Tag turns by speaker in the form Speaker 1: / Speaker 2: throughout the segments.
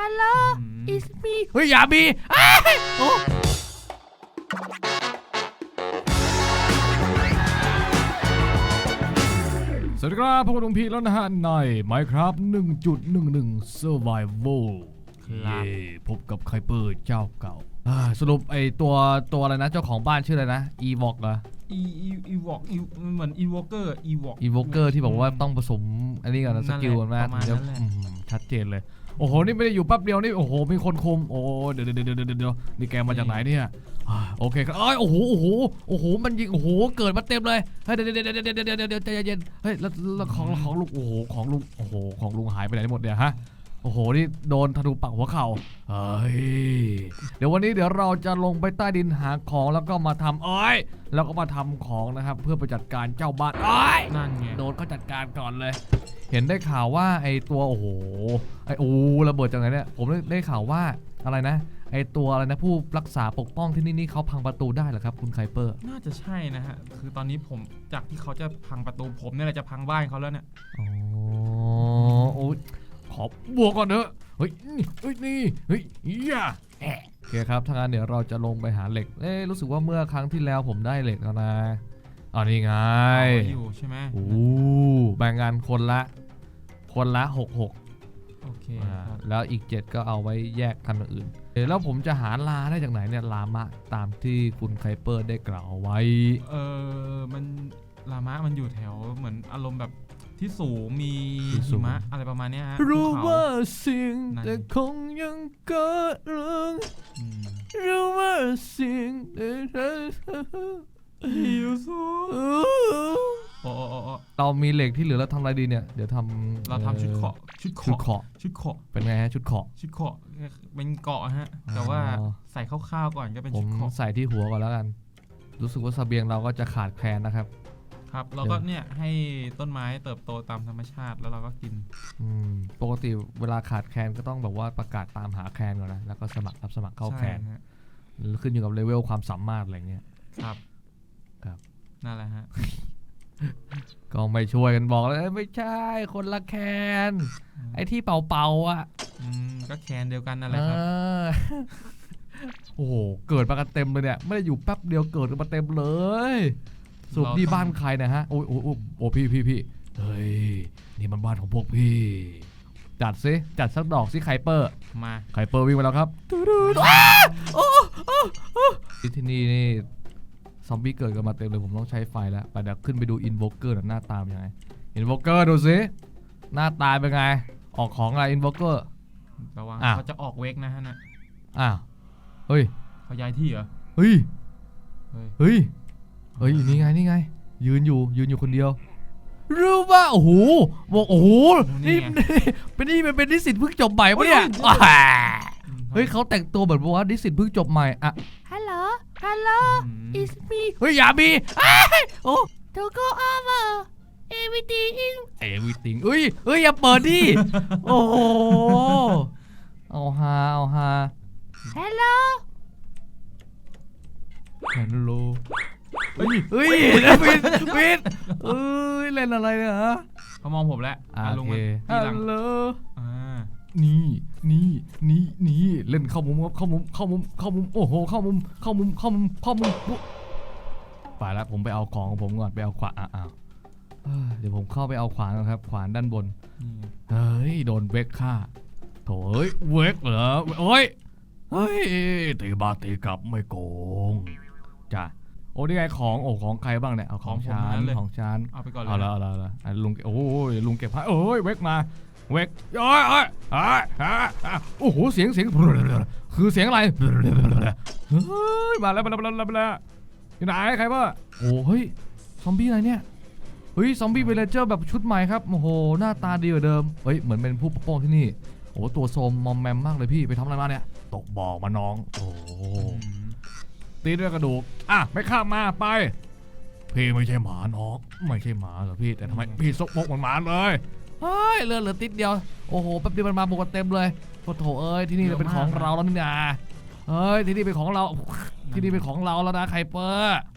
Speaker 1: Hello it's me
Speaker 2: เฮ้ยอย่ามีโอ้สวัสดีครับพวกลุงพีแล้วนะฮะใน Minecraft 1.11 Survival พบกับไคเปอร์เจ้าเก่าสรุปไอตัวอะไรนะเจ้าของบ้านชื่ออะไรนะ Evok เหรอ
Speaker 3: Evok เหมือน Evoker
Speaker 2: Evoker ที่บอกว่าต้องผสมอันนี้ก่อนนะสกิลกันมากเดี๋ยวชัดเจนเลยโอ้โหนี่ไม่ได้อยู่แป๊บเดียวนี่โอ้โหมีคนคุมโอ้เดี๋ยวนี่แกมาจากไหนเนี่ยโอเคครับโอ้โหมันยิงโอ้โหเกิดมาเต็มเลยเฮ้ยเดี๋ยวใจเย็นเฮ้ยแล้วของลุงโอ้โหของลุงหายไปไหนหมดเนี่ยฮะโอ้โหนี่โดนธนูปักหัวเข่าเฮ้ยเดี๋ยววันนี้เราจะลงไปใต้ดินหาของแล้วก็มาทำแล้วก็มาทำของนะครับเพื่อไปจัดการเจ้าบ้าน
Speaker 3: นั่นไง
Speaker 2: โดนเขาจัดการก่อนเลยเห็นได้ข่าวว่าไอตัวโอ้โหระเบิดจากไหนเนี่ยผมได้ข่าวว่าอะไรนะไอตัวอะไรนะผู้รักษาปกป้องที่นี่เขาพังประตูได้เหรอครับคุณไคเปอร์
Speaker 3: น่าจะใช่นะฮะคือตอนนี้ผมจากที่เขาจะพังประตูผมเนี่ยแหละจะพังบ้านเขาแล้วเนี่ย
Speaker 2: โอ้ขอบวกก่อนเถอะเฮ้ยนี่ย่าโอเคครับทางนั้นเดี๋ยวเราจะลงไปหาเหล็กรู้สึกว่าเมื่อครั้งที่แล้วผมได้เหล็กแล้วนะนี่ไง
Speaker 3: อยู่ใช่ไหม
Speaker 2: แบ่งงานคนละ6
Speaker 3: โอเค
Speaker 2: แล้วอีก7ก็เอาไว้แยกกันอื่นแล้วผมจะหาลาได้จากไหนเนี่ยลามะตามที่คุณไคเปอร์ได้กล่าวไว้
Speaker 3: มันลามะมันอยู่แถวเหมือนอารมณ์แบบที่สูงมีหิมะอะไรประมาณนี้ฮะ
Speaker 2: รู้ว่าสิ่งแต่คงยังเกิดเรื่องรู้ว่าสิ่งแต่
Speaker 3: หิวสู
Speaker 2: เรามีเหล็กที่เหลือแล้วทำอะไรดีเนี่ยเดี๋ยว
Speaker 3: เราทำชุดเกาะ
Speaker 2: เป็นไงฮะชุดเกาะ
Speaker 3: เป็นเกาะฮะแต่ว่าใส่คร่าวๆก่อนก็เป็นชุดเกาะ
Speaker 2: ใส่ที่หัวก่อนแล้วกันรู้สึกว่าเสบียงเราก็จะขาดแคลนนะครับ
Speaker 3: เราก็เนี่ยให้ต้นไม้เติบโตตามธรรมชาติแล้วเราก็กิน
Speaker 2: ปกติเวลาขาดแคลนก็ต้องแบบว่าประกาศตามหาแคลนก่อนนะแล้วก็รับสมัครเข้าแคลนขึ้นอยู่กับเลเวลความสามารถอะไรเงี้ย
Speaker 3: ครับนั่นแหละฮะ
Speaker 2: ก็ไม่ช่วยกันบอกเลยไม่ใช่คนละแคนไอ้ที่เป่าอ่ะ
Speaker 3: ก็แคนเดียวกันนั่นแหละครับ
Speaker 2: โอ้โหเกิดมากันเต็มเลยเนี่ยไม่ได้อยู่แป๊บเดียวเกิดมาเต็มเลยสุดที่บ้านใครนะฮะโอ้พี่เฮ้ยนี่มันบ้านของพวกพี่จัดสักดอกสิไคเปอร์
Speaker 3: มา
Speaker 2: ไคเปอร์วิ่งมาแล้วครับที่นี่ซอมบี้เกิดกันมาเต็มเลยผมต้องใช้ไฟแล้วไปเดี๋ยวขึ้นไปดูอินโวเกอร์หน้าตาเป็นยังไงอินโวเกอร์ดูสิหน้าตาเป็นไงออกของอะไรอินโวเกอร์
Speaker 3: ระวังเขาจะออกเวกนะฮะนะ
Speaker 2: เฮ้ย
Speaker 3: เขาย้ายที่เหรอ
Speaker 2: เฮ้ยนี่ไงยืนอยู่คนเดียวรู้ป่ะโอ้โหบอกโอ้โหนี่เป็นนิสิตเพิ่งจบใหม่ปะเนี่ยเฮ้ยเขาแต่งตัวแบบว่านิสิตเพิ่งจบใหม่
Speaker 1: Hello it's me
Speaker 2: เฮ้ยอย่ามี
Speaker 1: to go over everything
Speaker 2: เฮ้ยอย่าเปิดดิโอ้โหเอาฮา
Speaker 1: Hello
Speaker 2: เฮ้ยวินเล่นอะไรเนี่ยฮะ
Speaker 3: เขามองผมแล้ว
Speaker 2: โอเคฮัลโหลนี่เล่นเข้ามุมโอ้โหเข้ามุมไปแล้วผมไปเอาของของผมก่อนไปเอาขวานเดี๋ยวผมเข้าไปเอาขวานครับขวานด้านบนเฮ้ยโดนเวกฆ่าโถเวกเหรอเฮ้ยตีบาตีกลับไม่โกงจ้ะนี่ไงของใครบ้างเนี่ยเอาของชาน
Speaker 3: เอาไปก่อนเลย
Speaker 2: เอาละลุงลุงเก็บให้เวกมาเวกโอ้โหเสียงคือเสียงอะไรมาแล้วอยู่ไหนใครบ้างเฮ้ยซอมบี้อะไรเนี่ยซอมบี้เวลเจอร์แบบชุดใหม่ครับโอ้โหหน้าตาดีกว่าเดิมเหมือนเป็นผู้ปกป้องที่นี่ตัวโซมมอมแมมมากเลยพี่ไปทำอะไรมาเนี่ยตกบ่อมาน้องตีด้วยกระดูกไม่ข้ามมาไปพี่ไม่ใช่หมาน้องไม่ใช่หมาเหรอพี่แต่ทำไมพี่ซกมกเหมือนหมาเลยเลือดเหลือติดเดียวโอ้โหแป๊บเดียวมันมาบุกกันเต็มเลยโถที่นี่เป็นของเราแล้วนี่นะที่นี่เป็นของเราที่นี่เป็นของเราแล้วนะไคเปอร์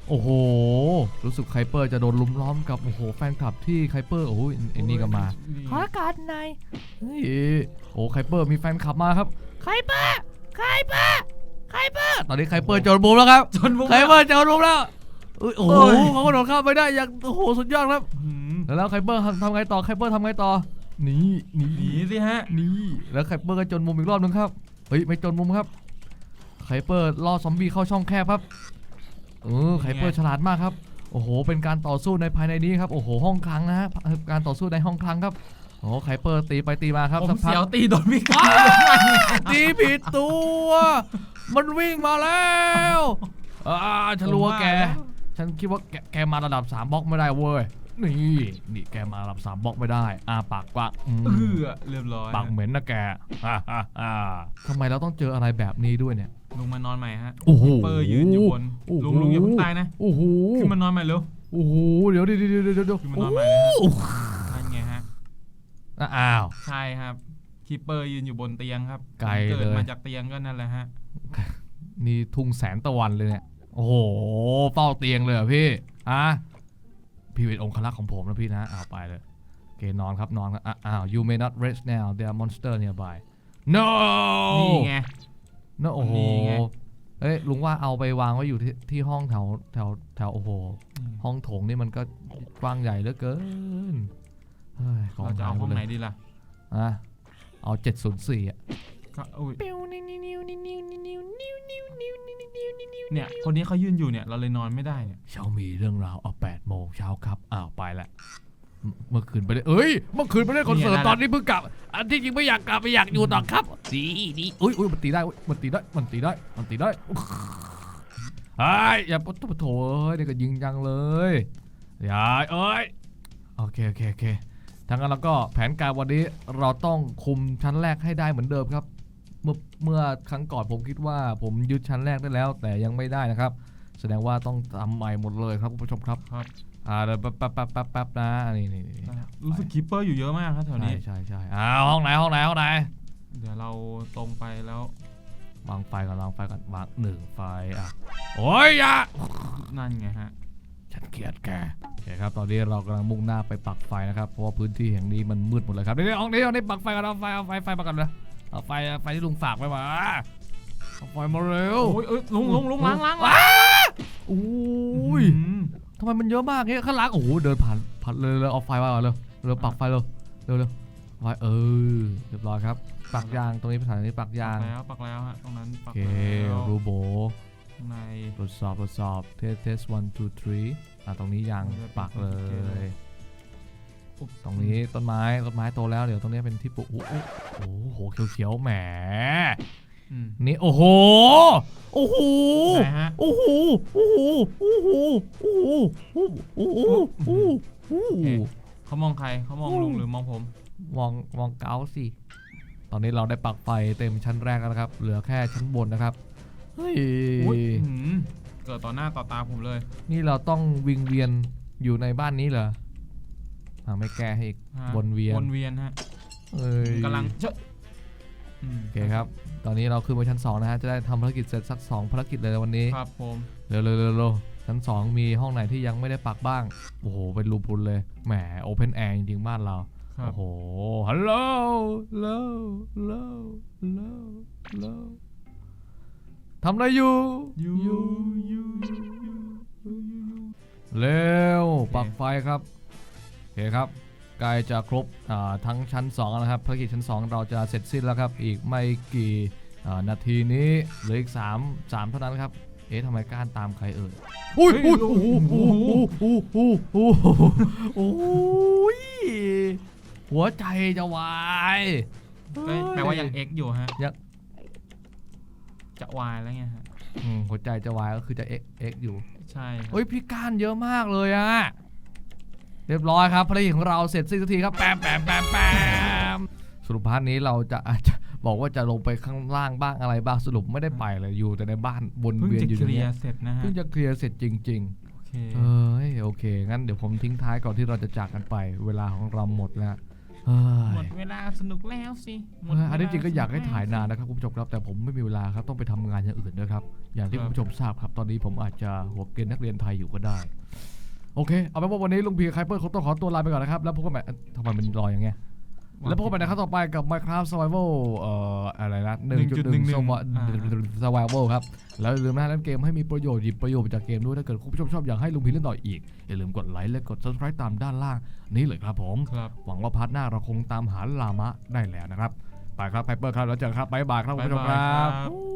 Speaker 2: โอ้โหรู้สึกไคเปอร์จะโดนลุมล้อมกับโอ้โหแฟนคลับที่ไคเปอร์โอ้ยไอ้นี่ก็มา
Speaker 1: ขอการหน่อย
Speaker 2: เฮ้ยโอ้ไคเปอร์มีแฟนคลับมาครับ
Speaker 1: ใครเปอร์ใครเปอร์ใครเปอร์
Speaker 2: ตอนนี้ไคเปอร์โจนบุมแล้วครับ
Speaker 3: จนมุม
Speaker 2: ไคเปอร์โจนบุมแล้วอุ้ยโอ้โห
Speaker 3: โอ้ย
Speaker 2: เขากระโดดข้ามไปได้อย่างโอ้โหสุดยอดครับ
Speaker 3: หืม
Speaker 2: แล้วไคเปอร์ทำไงต่อไคเปอร์ทำไงต่อหนีหนี
Speaker 3: หนีสิฮะ
Speaker 2: นี่แล้วไคเปอร์ก็จนมุมอีกรอบนึงครับเฮ้ยไม่จนมุมครับไคเปอร์ล่อซอมบี้เข้าช่องแคบครับไคเปอร์ฉลาดมากครับโอ้โหเป็นการต่อสู้ในภายในนี้ครับโอ้โหห้องคลังนะฮะการต่อสู้ในห้องคลังครับโอ้ไคเปอร์ตีไปตีมาครับ
Speaker 3: ผม
Speaker 2: สักพั
Speaker 3: เสียว
Speaker 2: ก
Speaker 3: ตีโดนพี่กา
Speaker 2: ตีผิดตัวมันวิ่งมาแล้วฉันรู้ว่าแกฉันคิดว่าแกมาระดับ3บล็อกไม่ได้เว้ยนี่แกมาระดับ3บล็อกไม่ได้ปากกว้าง
Speaker 3: เรียบร้อย
Speaker 2: ปากเหม็นนะแกทำไมเราต้องเจออะไรแบบนี้ด้วยเนี่ย
Speaker 3: ลุงมานอนใหม่ฮะ
Speaker 2: โอ้โห
Speaker 3: เปอร์ยืนอยู่บน
Speaker 2: โอ้โห
Speaker 3: ลุงอย่าเพิ่งตายนะ
Speaker 2: โอ้โห
Speaker 3: ขึ้นมานอนใหม่เร็ว
Speaker 2: โอ้โหเดี๋ยว
Speaker 3: ขึ้นมานอนใหม่เลยฮะ
Speaker 2: โอ้โห
Speaker 3: นั่นไงฮะ
Speaker 2: อ้าว
Speaker 3: ใช่ครับคีเปอร์ยืนอยู่บนเตียงครับ
Speaker 2: ไกลเลย
Speaker 3: เกิดมาจากเตียงก็นั่นแหละฮะ
Speaker 2: นี่ทุ่งแสนตะวันเลยเนี่ยโอ้โหเฝ้าเตียงเลยเหรอพี่พี่เป็นองครักษ์ของผมนะพี่นะไปเลยโอเคนอนครับนอนครับyou may not rest now there are monster nearby no
Speaker 3: นี่ไง
Speaker 2: no โอ้โห
Speaker 3: นี่ไง
Speaker 2: เอ้ยลุงว่าเอาไปวางไว้อยู่ที่ห้องแถวโอ้โหห้องโถงนี่มันก็กว้างใหญ่เหลือเกินเฮ้ย
Speaker 3: เราจะเอาห้องไหนดีล่ะ
Speaker 2: เอา704
Speaker 3: ก็อุ้ย
Speaker 1: ปิ้วนิ้วนิ้วนิ้วนิ้วนิ้วนิ้วนิ้วนิ้วนิ้วนิ้วนิ้วนิ้ว
Speaker 3: เนี่ยคนนี้เขายืนอยู่เนี่ยเราเลยนอนไม่ได้เนี่ย
Speaker 2: เช้ามีเรื่องราว8 โมงเช้าครับไปละเมื่อคืนไปเลยเมื่อคืนไปเล่นคอนเสิร์ตตอนนี้เพิ่งกลับอันที่จริงไม่อยากกลับไม่อยากอยู่ต่อครับดีอุ้ยมันตีได้มันตีได้อย่าปะโถนี่ก็ยิงจังเลยอย่าโอเคทางนั้นเราก็แผนการวันนี้เราต้องคุมชั้นแรกให้ได้เหมือนเดิมครับเมื่อครั้งก่อนผมคิดว่าผมยึดชั้นแรกได้แล้วแต่ยังไม่ได้นะครับแสดงว่าต้องทำใหม่หมดเลยครับคุณผู้ชมครับเดี๋ยวแป๊บนะนี่
Speaker 3: รู้สึกคีเปอร์อยู่เยอะมากครับแถวนี้
Speaker 2: ใช่ห้องไหน
Speaker 3: เดี๋ยวเราตรงไปแล้ว
Speaker 2: วางไฟก่อนวาง1 ไฟโอ้ยอย่า
Speaker 3: นั่นไงฮะ
Speaker 2: ฉันเกลียดแกโอเคครับตอนนี้เรากำลังมุ่งหน้าไปปักไฟนะครับเพราะว่าพื้นที่แห่งนี้มันมืดหมดเลยครับนี่ปักไฟกันเอาไฟมากันเลยเอาไฟที่ลุงฝากไว้มาเอาไฟมาเร็ว
Speaker 3: โอ้ยลุงล้าง
Speaker 2: อุ้ยทำไมมันเยอะมากเนี่ยข้างหลังโอ้โหเดินผ่านเลยเอาไฟมาเร็วปักไฟเร็วไฟเรียบร้อยครับปักยางตรงนี้เป็นสถานีปักยาง
Speaker 3: ปักแล้วฮะตรงนั้นปัก
Speaker 2: โอเค
Speaker 3: แล้ว
Speaker 2: รูโบ
Speaker 3: ข้างใน
Speaker 2: ทดสอบเทส1 2 3ตรงนี้ยางปักเลยตรงนี้ต้นไม้โตแล้วเดี๋ยวตรงนี้เป็นที่ปลูกโอ้โหเขียวแหมนี่โอ้โห
Speaker 3: เขามองใครเขามองลุงหรือมองผม
Speaker 2: มองเกาสิตอนนี้เราได้ปักไฟเต็มชั้นแรกแล้วครับเหลือแค่ชั้นบนนะครับเฮ้ย
Speaker 3: เกิดต่อหน้าต่อตาผมเลย
Speaker 2: นี่เราต้องวิงเวียนอยู่ในบ้านนี้เหรอไม่แก้ให้อีกวนเวียน
Speaker 3: ฮะกำลัง
Speaker 2: โอเคครับตอนนี้เราขึ้นไปชั้น2นะฮะจะได้ทำภารกิจเสร็จสัก2ภารกิจเลยวันนี้
Speaker 3: ครับผม
Speaker 2: เร็วชั้น2มีห้องไหนที่ยังไม่ได้ปักบ้างโอ้โหเป็นรูพุนเลยแหมโอเพนแอร์จริงๆบ้านเราโอ้โหฮัลโหลทำอะไรอยู่เร็วปักไฟครับโอเคครับใกล้จะครบทั้งชั้น2แล้วครับภารกิจชั้น2เราจะเสร็จสิ้นแล้วครับอีกไม่กี่นาทีนี้เหลืออีก3เท่านั้นครับทำไมก้านตามใครอุ้ยหัวใจจะวาย
Speaker 3: แปลว่ายัง X อยู่ฮะจะวายแล้วไงฮะ
Speaker 2: หัวใจจะวายก็คือจะ X อยู่
Speaker 3: ใช่
Speaker 2: เฮ้ยพี่ก้านเยอะมากเลยเรียบร้อยครับภารกิจของเราเสร็จสิ้นสักทีครับแปมสรุปพาร์ทนี้เราจะอาจจะบอกว่าจะลงไปข้างล่างบ้างอะไรบ้างสรุปไม่ได้ไปเลยอยู่แต่ในบ้านวนเวียนอยู่ตรงนี้เพิ่งจะเคลียร์เสร็จจริงๆโอเคงั้นเดี๋ยวผมทิ้งท้ายก่อนที่เราจะจากกันไปเวลาของเราหมดแล้วเฮ้
Speaker 3: หม
Speaker 2: ย
Speaker 3: ดเวลาสนุกแล้วสิหมด
Speaker 2: อันนี้จริงก็อยากให้ถ่ายนาน
Speaker 3: แล้ว
Speaker 2: นะครับคุณผู้ชมครับแต่ผมไม่มีเวลาครับต้องไปทำงานอย่างอื่นด้วยครับอย่างที่
Speaker 3: ครับ
Speaker 2: คุณผู้ชมทราบครับตอนนี้ผมอาจจะหัวเกรียนนักเรียนไทยอยู่ก็ได้โอเคเอาเป็นว่าวันนี้ลุงพีไคเปอร์เขาต้องขอตัวลาไปก่อนนะครับแล้วพบกันใหม่ทำไมมันรออย่างเงี้ยแล้วพบกันใหม่นะครับต่อไปกับ Minecraft Survival อะไรนะ 1.1 Survival ครับแล้วอย่าลืมนะเล่นเกมให้มีประโยชน์หยิบประโยชน์จากเกมด้วยถ้าเกิดคุณผู้ชมชอบอยากให้ลุงพีเล่นต่ออีกอย่าลืมกดไลค์และกด Subscribe ตามด้านล่างนี้เลยครับผม
Speaker 3: ครับ
Speaker 2: หวังว่าพาร์ทหน้าเราคงตามหาลามะได้แล้วนะครับไปครับไพเปอร์ครับแล้วเจอกันครับบ๊ายบายครับคุณผู้ชมค
Speaker 3: บ๊ายบาย
Speaker 2: รับ
Speaker 3: ครับ